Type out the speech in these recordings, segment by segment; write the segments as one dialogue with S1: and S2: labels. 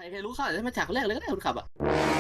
S1: รรู้ข่าวได้มาจากคนแรกเลยก็ได้คนขับอ่ะ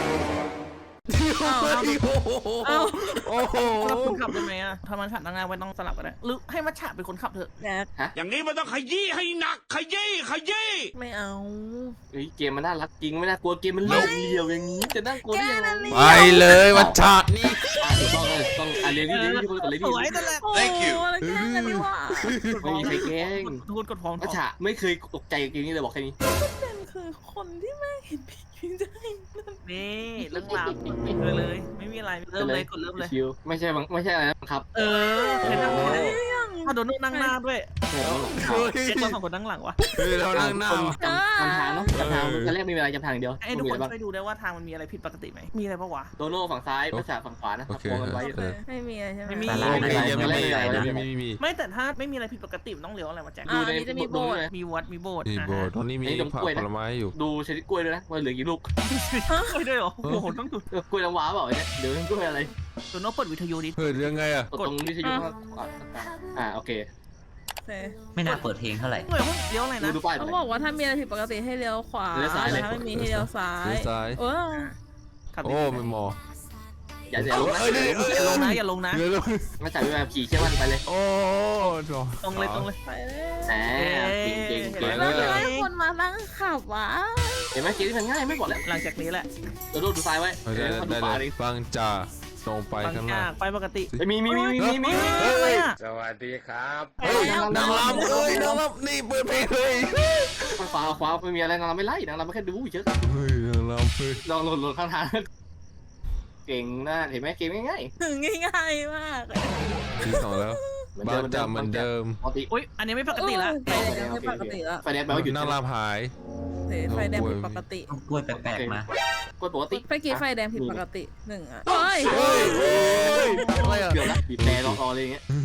S2: เอา
S3: โอ้โห
S2: เราคนขับได้ไหมอะถ้ามันขับนั่งหน้าไว้ต้องสลับกันได้หรือให้มัชฉะเป็นคนขับเถอะ
S3: แจ็ค
S4: อย่างนี้มันต้องขยี้ให้หนักขยี้ขยี้
S3: ไม่เอา
S1: เฮ้ยเกมมันน่ารักจริงไม่น่ากลัวเกมมันเรียวอย่างนี้จะน่ากลัวได้ยังไง
S3: แกนั่น
S5: ไปเลยวัชชานี่
S1: ถูกต้องเลยต้องเรียนที่คนก่อนเลย
S2: ส
S1: ที่
S2: วยนั่นแหละ
S3: โอ้โหแล้วแกล้งกันดีว่า
S1: ไม่มีใครแกล้ง
S2: ทุกคนกดพร้อม
S1: มัชฉะไม่เคยตกใจกับเกมนี้เลยบอกแค่นี้
S3: เป็นคือคนที่แม่เห็นผีจะให้นั่น
S2: นี่เรื่องราวเลยไม่มีอะไรเริ่มเลยกดเริ่มเลย
S1: ชิวไม่ใช่อะไรนะครับ
S2: เออเห็นไหมถ้าโดนนั่งหน้าด้วย
S1: เฮ้ย
S2: เจ๊ตัวสองคนนั่งหลังวะ
S5: เฮ้ยเรานั่งหน้า
S1: จำทางเนาะจำทางตอนแรกไม่มีอะไรจำทางเดียว
S2: ไอ้ทุกคนช่วยดูได้ว่าทางมันมีอะไรผิดปกติไหมมีอะไรปะวะ
S1: โดโน่ฝั่งซ้ายมัชฉะฝั่งขวานะวงกันไว้
S3: ไม่มีอะไรใช่ไหม
S2: ไม่มี
S5: มี
S2: ไม่แต่ถ้าไม่มีอะไรผิดปกติมันต้องเลี้ยวอะไรวะแจ็ค
S3: อันนี้จะมีโบสถ์
S2: มีวัดมีโบสถ์
S5: นี่โบตอนนี้มีผักผลไม้อยู่
S1: ดูชนิดกล้วยด้วยนะว่าเหลือกี่ลูก
S2: กล้วยด้วยเหรอโอ้โหต้องดู
S1: กล้วยน้ำว้าเปล่าเนี่ยเดี๋ยวกล้วยอะไร
S2: ตัวโน้ตเปิดวิทยุดิ
S5: เฮ้ยเรื่องไงอ่ะ
S1: กดตรงวิทยุโอเค
S3: โอเค
S6: ไม่น่าเปิดเพลงเท่าไหร่
S2: เฮ้ยเลี้ยวอะไรนะ
S1: ดูป้าย
S3: เขาบอกว่าถ้ามีอะไรผิดปกติให้เลี้ยวขวา
S1: เลี้ยวซ้ายเลย
S3: ถ้าไม่มีให้เลี้ยวซ้าย
S5: เลี้ยวซ้าย
S3: เออ
S5: โอ้ไม่มอ
S1: อย่าลงนะ
S2: อย่าลงนะอย่าลงนะ
S5: เดี๋ยว
S1: มาจากวิวาขี่เชื่อมันไปเลย
S5: โอ้
S2: ตรงเลยตรงเลย
S3: ไปเลย
S1: แหมเก่ง
S3: แล้วให้คนมานั่งขับวะ
S1: เห็นไหมเกมที่มันง่ายไม่บอกแล้ว
S2: หลังจากนี้แหละ
S1: ดูซ้ายไว้
S5: ได้เลยฟังจ่าตรงไป
S2: บาง
S5: ข้างห
S2: จา
S5: น้าก
S2: ไปปกติ
S1: มี
S2: อะไรอ่ะ
S4: สวัสดีครับ
S5: เฮ้ยนางรำเฮ้ยนางรำนี่เปิดเพลงเลย
S1: ขวาไม่มีอะไรนางรำไม่ไล่นางรำไม่แค่ดูเฉย
S5: เฮ้ยนางรำเฮ้ย
S1: ลองหล่นข้างทางเก่งนะเห็นไหมเกมง่าย
S3: ง่ายๆมาก
S5: ที่สองแล้วบ้านจ่าเหมือนเดิม
S1: ปกติ
S2: อุ้ยอันนี้ไม่ปกติละ
S3: ไฟแดงไม่ปกติแล้ว
S1: ไฟแดงแปลว่าหยุด
S5: นางรำหาย
S3: ไฟแดงผิดปกติ
S6: ต้องกล้วยแปลกๆนะ
S1: กดปกติ
S3: ไฟกี้ไฟแดงผิดปกติหนึ่งอ่ะ
S5: เฮ้ยอะไรอ่ะ
S1: เกือบละบีบแต่รออะไรอย่างเงี้ย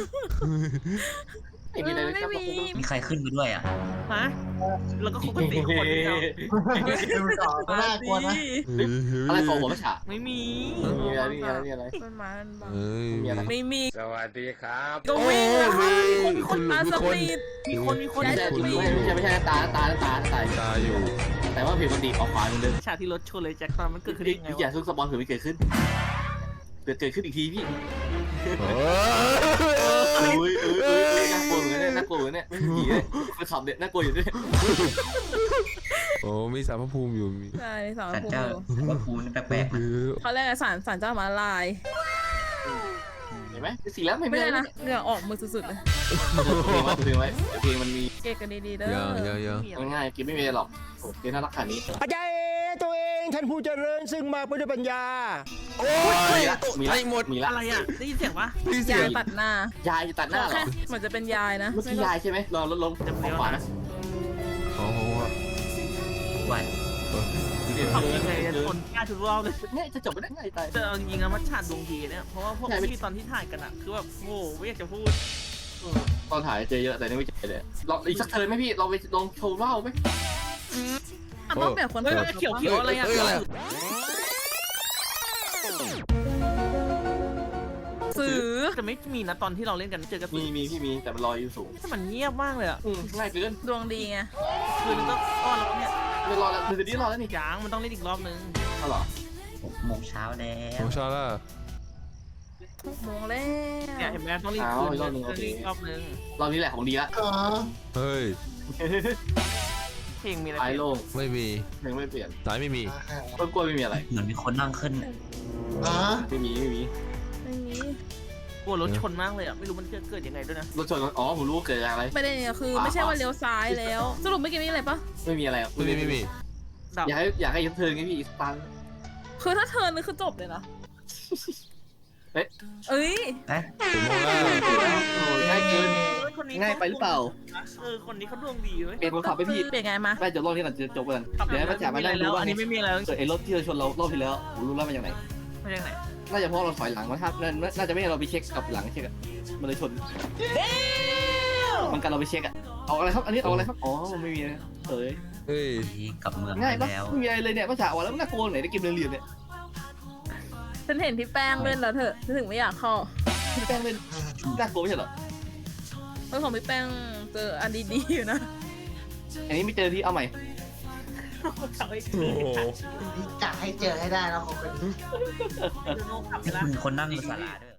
S1: ไม่มีอะไรเลยครับ
S6: มีใครขึ้นมาด้วยอ่ะ
S2: ฮะแล้วก็คุกกันสี่คนเดียว
S3: น่ากลัวนะ
S1: อะไรของหัวมัชฉะ
S2: ไม่มี
S1: มีอะไร
S3: มันมามันบัง
S5: เฮ้ย
S3: ไม่มี
S4: สวัสดีครับ
S3: ก็วิ่งนะคะมีคนมาสปีด
S2: มีคน
S1: ไม่ใช่ตา
S5: ตาอยู่
S1: แต่ว่าผิดปกติออกขวาเหมือนเดิม
S2: ฉากที่รถชนเลยแจ็คตอนมันเกิดขึ้นได้ไง
S1: อย่าว
S2: ะ
S1: ซุกสปอนเผื่อไม่เกิดขึ้นเกิดขึ้นอีกทีพี่ น่ากลัวเหมือนเนี่ยไม่ผีเลยคนขับเนี่ยน่ากลัวอยู่ด้วย
S5: โอ้มีสารพระภูมิอยู่มี
S3: ใช่สอง
S6: สัน
S3: ภู
S6: เจ้า
S3: มิ
S6: ว่าภูนี่แปลกๆนะ
S3: เขาเรียกสารเจ้ามาลาย
S1: เห็นไหมสีแล้วไม่
S3: ไม่
S1: ได้
S3: ได้
S1: นะ
S3: นะเหงื่อออกมือสุดๆเลย
S1: เพลงไว้เพลงมันมี
S3: เก๊กันดีๆเด้อ
S1: ง่ายๆกินไม่มีหรอกเกมน่ารักขนาดนี้
S7: อาจารย์ตัวเองท่านผู้เจริญซึ่งมาด้วยปัญญา
S5: โอ้ยไอ้หมด
S1: มีละ
S2: อะไรอ่ะได้ยินเสียงปะ
S5: พี่เสี
S3: ยาย ย
S5: ง
S3: ตัดหน้าย
S1: ายจะตัดหน้าเหร
S3: แค่
S1: อ
S3: เหมือนจะเป็นยายนะ
S1: เมื่อกี้ยายใช่ไหมลองลงขวานะ
S5: โอ้โห
S6: ว่า
S2: ขับยังไงชนกล้าทุกรอบเลย
S1: เนี่ยจะจบไม่ได้ง่ายตาย
S2: แต่เอาจริงๆนะมันฉาดดวงดีเนี่ยเพราะว่าพวกที่ตอนที่ถ่ายกันอะคือแบบโอ้ไม่อยากจะพูด
S1: ตอนถ่ายเจอเยอะแต่นี่ไม่เจอเลยลองอีกสักเทิร์นไหมพี่เราไปลองโชว์ว่าวไหม
S3: ต้องแบบคน
S2: เฮ้ยเขียวอะไรอ่ะ
S3: สื่อ
S2: จะไม่มีนะตอนที่เราเล่นกันเจอกัน
S1: มีพี่มีแต่มันลอยอยู่สูง
S2: ถ้ามันเงียบมากเลยอ่ะ
S1: ง่ายเกิน
S3: ดวงดีไง
S2: คืนนึงก็อ้อนแล้วเนี่ย
S1: ไม่รอแล้วคือนี้รอแล้วนี่
S2: ยางมันต้องเล่นอีกรอบนึง
S1: เอาหรอ
S6: 6 โมงเช้าแล้
S5: โอ้
S6: ว
S5: ชาล่า
S3: โมงแล้
S2: เนี่ยว เห็นไหมต้องรีบคืนอีกรอบนึง
S1: รอบนี้แหละของดีละ
S5: เฮ้ย
S2: เพลงมีอะไร
S1: ไอ้โล่ง
S5: ไม่มี
S1: ยังไม่เปลี่ยน
S5: สายไม่มี
S1: ต้นกล้วยไม่มีอะไร
S6: เหมือนมีคนนั่งขึ้น
S1: ไม่มี
S3: ไม่มี
S2: กลัวรถชนมากเลยอ่ะไม่รู้มันจะเกิดยังไงด้วยนะ
S1: รถชนอ๋อผมรู้เกิดอะไร
S3: ประเด็นเนี่ยคือไม่ใช่ว่าเลี้ยวซ้ายแล้ว สรุปเมื่อกี้มีอะไรปะ
S1: ไม่มีอะไร
S5: ไม่มี
S2: ดับ
S1: อยากให้ยับเทิร์นไงพี่ตัน
S3: คือถ้าเทิร์นนี่คือจบเลยนะ
S1: เอ๊ะ
S3: เอ้ย
S6: เอ๊ะ
S5: ถึงโมงแล้ว
S1: ง่ายเกิน
S2: คนนี้
S1: ง่ายไปหรือเปล่า
S2: คนนี้เขาดวงดีเว้ย
S1: เปลี่ยนคนขับไปพี่
S3: เปลี่ยนไงมา
S1: ไม่จะรอบนี้ก่อนจะจบกันเดี๋ยวให้มาแจกมาได้
S2: แล้
S1: รู้
S2: ว
S1: ว่า
S2: อันนี้ไม่มีอะไร
S1: เกิดไอ้รถที่เราชนเรารอบที่แล้วผมรู้แล้วมาจากไหน
S2: ไม่ใช่ไหน
S1: น่าจะเพราะเราถอยหลังมาครับน่าจะไม่ให้เราไปเช็คกับหลังเช็คอะมันเลยชนมันกันเราไปเช็คอะเอาอะไรครับอันนี้เอาอะไรครับอ๋อไม่มีนะเฮ้ย
S5: เฮ้ย
S6: กลับเมือง
S1: ง่ายปะ
S6: แล้ว
S1: ไม่มีอะไรเลยเนี่ยมาจากว่าแล้วมันน่ากลัวไหนได้เกมเรียนเนี่ย
S3: ฉันเห็นพี่แป้งเล่นแล้วเถอะฉันถึงไม่อยากเข้า
S1: พี่แป้งเล่นน่ากลัวไม่ใช่เหรอ
S3: เรื่องของพี่แป้งเจออันดีๆอยู่นะ
S1: อันนี้ไม่เจอที่เอาใหม่
S2: ขับไป
S5: โอ้โห
S8: จะให้เจอให้ได้แล้วเขาเป็น
S2: ยูโน่ขับไป
S6: นี่
S2: ละ
S6: คุณคนนั่งบนศาลาด้วย